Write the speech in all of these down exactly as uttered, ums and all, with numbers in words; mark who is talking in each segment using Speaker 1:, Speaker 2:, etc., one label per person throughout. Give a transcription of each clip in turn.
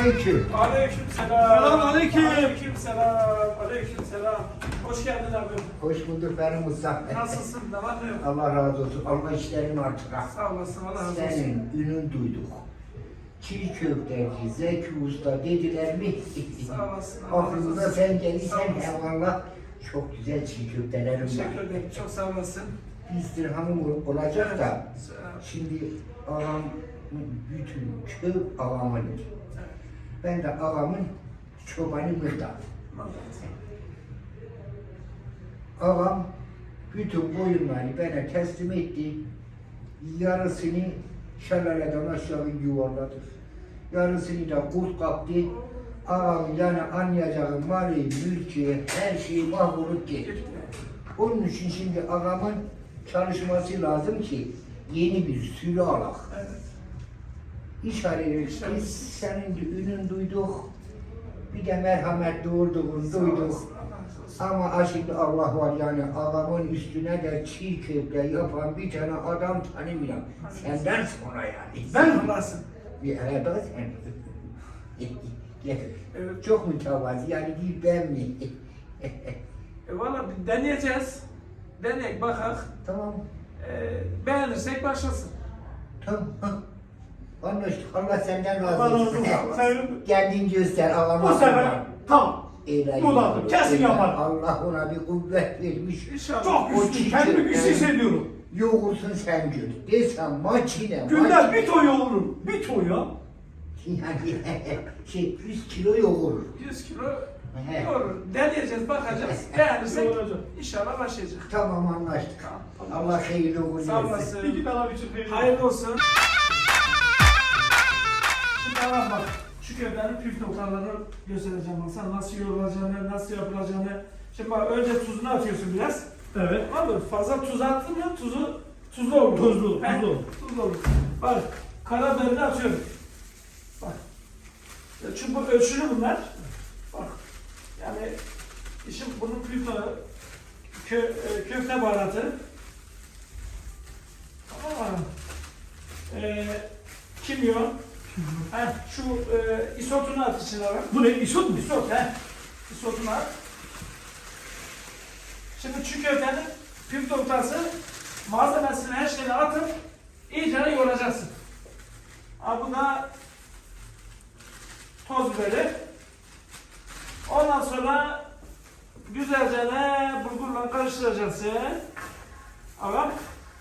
Speaker 1: aleyküm.
Speaker 2: Aleyküm selam.
Speaker 3: Selam aleyküm.
Speaker 2: Aleyküm selam. Aleyküm selam. Hoş geldin abi.
Speaker 1: Hoş bulduk benim Mustafa.
Speaker 2: Nasılsın? Ne var ne yok?
Speaker 1: Allah razı olsun. Allah işlerini artıra.
Speaker 2: Sağ olasın. Allah razı olsun.
Speaker 1: Senin ünün duyduk. Çiğ köfteci, Zeki Usta dediler mi?
Speaker 2: Sağ olasın. Allah razı
Speaker 1: Aklımıza
Speaker 2: olsun.
Speaker 1: sen
Speaker 2: Sağ
Speaker 1: gelirsen
Speaker 2: olasın.
Speaker 1: eyvallah. Çok güzel çiğ köftelerim
Speaker 2: Teşekkür
Speaker 1: var.
Speaker 2: ederim. Çok sağ olasın.
Speaker 1: Bir dirhamım olacak da.
Speaker 2: Evet.
Speaker 1: Şimdi ağam bütün köy ağamın. Ben de ağamın çobanı Mırda. Ağam bütün koyunları bana teslim etti. Yarısını şelaleden aşağı yuvarladı. Yarısını da kurt kaptı. Ağam yani anlayacağım mali, mülki, her şeyi mahvolup gitti. Onun için şimdi ağamın çalışması lazım ki yeni bir sürü alak.
Speaker 2: Evet.
Speaker 1: İş arıyoruz. Biz senin de ünün duyduk. Bir de merhamet doğurduğunu
Speaker 2: Sağ
Speaker 1: duyduk.
Speaker 2: olasın. Allah razı olsun.
Speaker 1: Ama şimdi Allah var yani ağamın üstüne de çiğ köfte yapan bir tane adam tanımıyorum. Senden sonra yani.
Speaker 2: Ben olasın.
Speaker 1: Bir arada sen.
Speaker 2: Evet.
Speaker 1: Çok mütevazi yani değil ben mi?
Speaker 2: E valla bir deneyeceğiz. Deneyek bakak.
Speaker 1: Tamam.
Speaker 2: E, beğenirsek başlasın.
Speaker 1: Tamam. Anlaştık. Allah senden
Speaker 3: Allah
Speaker 1: razı
Speaker 3: razı
Speaker 1: olsun.
Speaker 3: olsun. Sen
Speaker 1: Kendin göster ağama.
Speaker 3: bu sefer tamam.
Speaker 1: Eğlenceli.
Speaker 3: Bu da kesin yapar.
Speaker 1: Allah ona bir kuvvet vermiş.
Speaker 2: İnşallah.
Speaker 3: Çok
Speaker 1: O
Speaker 3: güçlü,
Speaker 1: çiğ
Speaker 3: kendimi
Speaker 1: köfte-
Speaker 3: güçlü hissediyorum.
Speaker 1: Yoğursun sen gör. Desem makine,
Speaker 3: Günden
Speaker 1: makine.
Speaker 3: bir ton yoğururum. Bir ton ya.
Speaker 1: Yani şey yüz kilo yoğurur.
Speaker 2: yüz kilo
Speaker 1: He.
Speaker 2: doğru. Deneyeceğiz, bakacağız. Beğenirsek
Speaker 3: Yoğuracak.
Speaker 2: inşallah başlayacak.
Speaker 1: Tamam anlaştık.
Speaker 2: Tamam.
Speaker 1: Allah hayırlı uğurlu
Speaker 2: Sağ
Speaker 1: etsin.
Speaker 2: olasın.
Speaker 3: İki tane için hayırlı.
Speaker 2: Hayırlı olsun. Şimdi tamam bak, şu köftenin püf noktalarını göstereceğim bak. Sana nasıl yoğrulacağını, nasıl yapılacağını. Şimdi bak önce tuzunu atıyorsun biraz.
Speaker 3: Evet.
Speaker 2: Tamam mı? Fazla tuz attın mı tuzu tuzlu olur.
Speaker 3: Tuzlu,
Speaker 2: He?
Speaker 3: tuzlu olur.
Speaker 2: Tuzlu olur. Bak karabiberini atıyorum. Bak. Çünkü bu ölçülü bunlar. Bak. Yani işin bunun püf noktası kö, e, köfte baharatı. Aa, e, kimyon. Heh, şu e, isotunu at içine bak.
Speaker 3: Bu ne? İsot mu?
Speaker 2: Isot he. Isotunu at. Şimdi çiğ köftenin püf noktası malzemesini her şeyini atıp iyice yoğuracaksın. Ha, bu da toz biberi. Ondan sonra güzelce ne bulgurla karıştıracaksın. Ağam.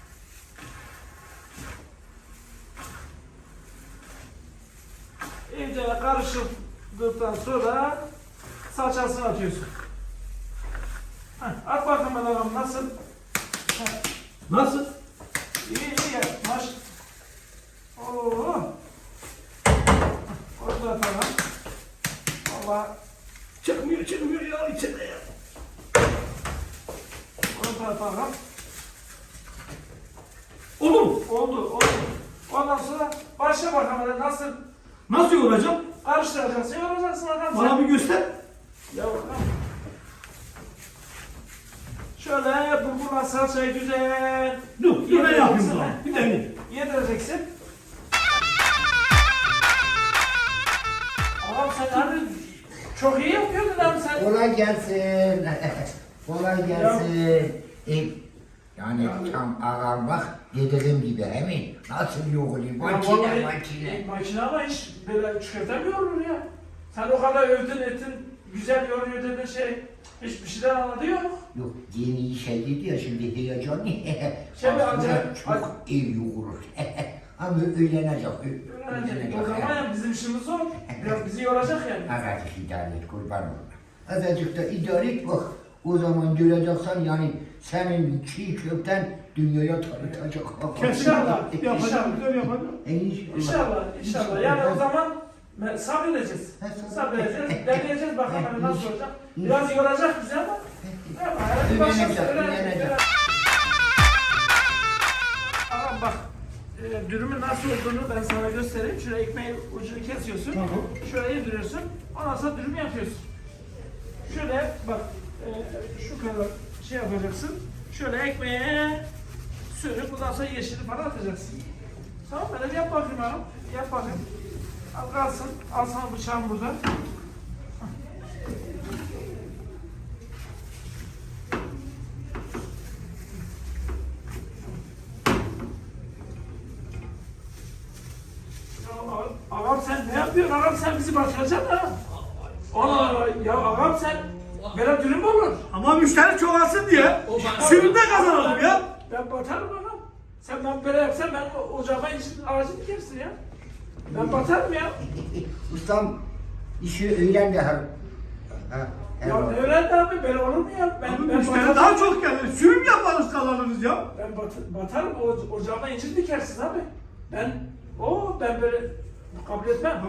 Speaker 2: İyice karıştırdıktan sonra salçasını atıyorsun. Heh, at bakalım ağam nasıl? Heh,
Speaker 3: Nasıl?
Speaker 2: İyi iyi ya. Maş. Oo. Orada atalım. Valla
Speaker 3: Çıkmıyor, çıkmıyor ya içinde ya.
Speaker 2: orada atalım.
Speaker 3: Olur mu?
Speaker 2: Oldu oldu. Ondan sonra başla bakalım nasıl
Speaker 3: Nasıl yoğuracağım?
Speaker 2: karıştıracaksın, yoğuracaksın bakalım.
Speaker 3: Bana bir göster.
Speaker 2: Ya bakalım. Şöyle bulgurla salçayı güzel
Speaker 3: Dur, bir ben yapayım
Speaker 2: yedireceksin,
Speaker 3: bunu.
Speaker 2: he.
Speaker 3: Bir deneyim.
Speaker 2: Yedireceksin. Ağam sen abi çok iyi yapıyordun abi sen.
Speaker 1: Kolay gelsin. Kolay gelsin. E, yani tam ağam bak dediğim gibi emin. Nasıl yoğuruyor? Makine
Speaker 2: vallahi-
Speaker 1: makine.
Speaker 2: Makine ama hiç böyle çikolata mı yoğurur ya? Sen o kadar övdün ettin, güzel yoğuruyor dedin şey, hiçbir şeyden anladı yok.
Speaker 1: Yok yeni işe gidiyor şimdi heyecanlı.
Speaker 2: Şimdi
Speaker 1: Aslında
Speaker 2: acayip-
Speaker 1: çok iyi yoğurur. Ama öğlenecek.
Speaker 2: Öğrenecek. O zaman ya bizim işimiz zor. Biraz bizi yoracak yani.
Speaker 1: Azıcık idare et kurban olma. Azıcık da idare et bak. O zaman göreceksen yani senin çiğ köften dünyaya tanıtacak.
Speaker 2: İnşallah,
Speaker 3: Yapacağım,
Speaker 2: inşallah.
Speaker 3: güzel yapacağım.
Speaker 1: E, inşallah.
Speaker 2: İnşallah, inşallah. Yani o zaman me- sabredeceğiz.
Speaker 1: Ha, sabredeceğiz.
Speaker 2: Sabredeceğiz, deneyeceğiz bakalım
Speaker 1: Ha,
Speaker 2: nasıl
Speaker 1: inş-
Speaker 2: olacak. Biraz yoracak bizi ama. Ama hadi
Speaker 1: Öğrenecek,
Speaker 2: başlasın, öğrenecek,
Speaker 1: öğrenecek.
Speaker 2: öğrenecek. Ama bak, e, dürümün nasıl olduğunu ben sana göstereyim. Şöyle ekmeğin ucunu kesiyorsun.
Speaker 3: Tamam.
Speaker 2: Şöyle yediriyorsun. Ondan sonra dürüm yapıyorsun. Şöyle bak, e, şu kadar şey yapacaksın. Şöyle ekmeğe sürüp bundan sonra yeşili falan atacaksın. Tamam, böyle bir yap bakayım hanım. Yap bakayım. Al kalsın. Al sana bıçağım burada. Ya ağam sen ne yapıyorsun? Ağam sen bizi batıracaksın ha. Ana ya ağam sen böyle dürüm mü olur?
Speaker 3: Ama müşteri çoğalsın diye. Sürümde kazanalım ya.
Speaker 2: Ben batarım ağam. Sen ben böyle yapsan ben o- ocağıma işin ağacını dikersin ya. Ben batarım ya.
Speaker 1: Ustam işi öğren de her. Ha, her
Speaker 2: Ya
Speaker 1: var.
Speaker 2: ne öğrendi abi? Böyle olur mu ya? Ben,
Speaker 3: Abi
Speaker 2: ben
Speaker 3: müşteri
Speaker 2: batarım.
Speaker 3: daha çok gelir. Sürüm yaparız kazanırız ya.
Speaker 2: Ben bat, batarım. O, ocağıma incir dikersin abi. Ben o ben böyle kabul etmem.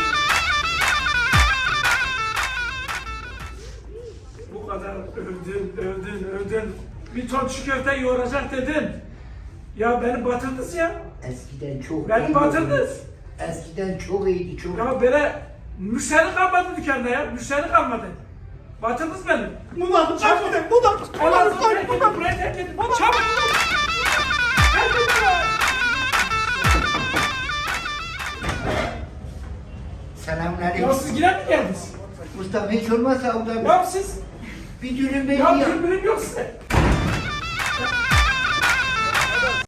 Speaker 2: Bu kadar övdün, övdün, övdün. Bir ton çiğ köfte yoğuracak dedin. Ya beni batırdınız ya.
Speaker 1: Eskiden çok
Speaker 2: Beni
Speaker 1: iyiydi.
Speaker 2: batırdınız.
Speaker 1: Eskiden çok iyiydi çok.
Speaker 2: Ya böyle müşteri kalmadı dükkanda ya. Müşteri kalmadı. Batırdınız beni.
Speaker 3: Bunlar kaç gidelim. Bunlar
Speaker 2: Allah'ım
Speaker 3: bunlar
Speaker 2: terk edin,
Speaker 3: bunlar.
Speaker 2: burayı terk edin. Çabuk! Terk edin burayı.
Speaker 1: Selamünaleyküm.
Speaker 2: Ya siz yine mi geldiniz?
Speaker 1: Ustam hiç olmazsa o da
Speaker 2: Ya siz,
Speaker 1: bir dürüm
Speaker 2: ya
Speaker 1: belli ya.
Speaker 2: birbiriniz yok size. Ya,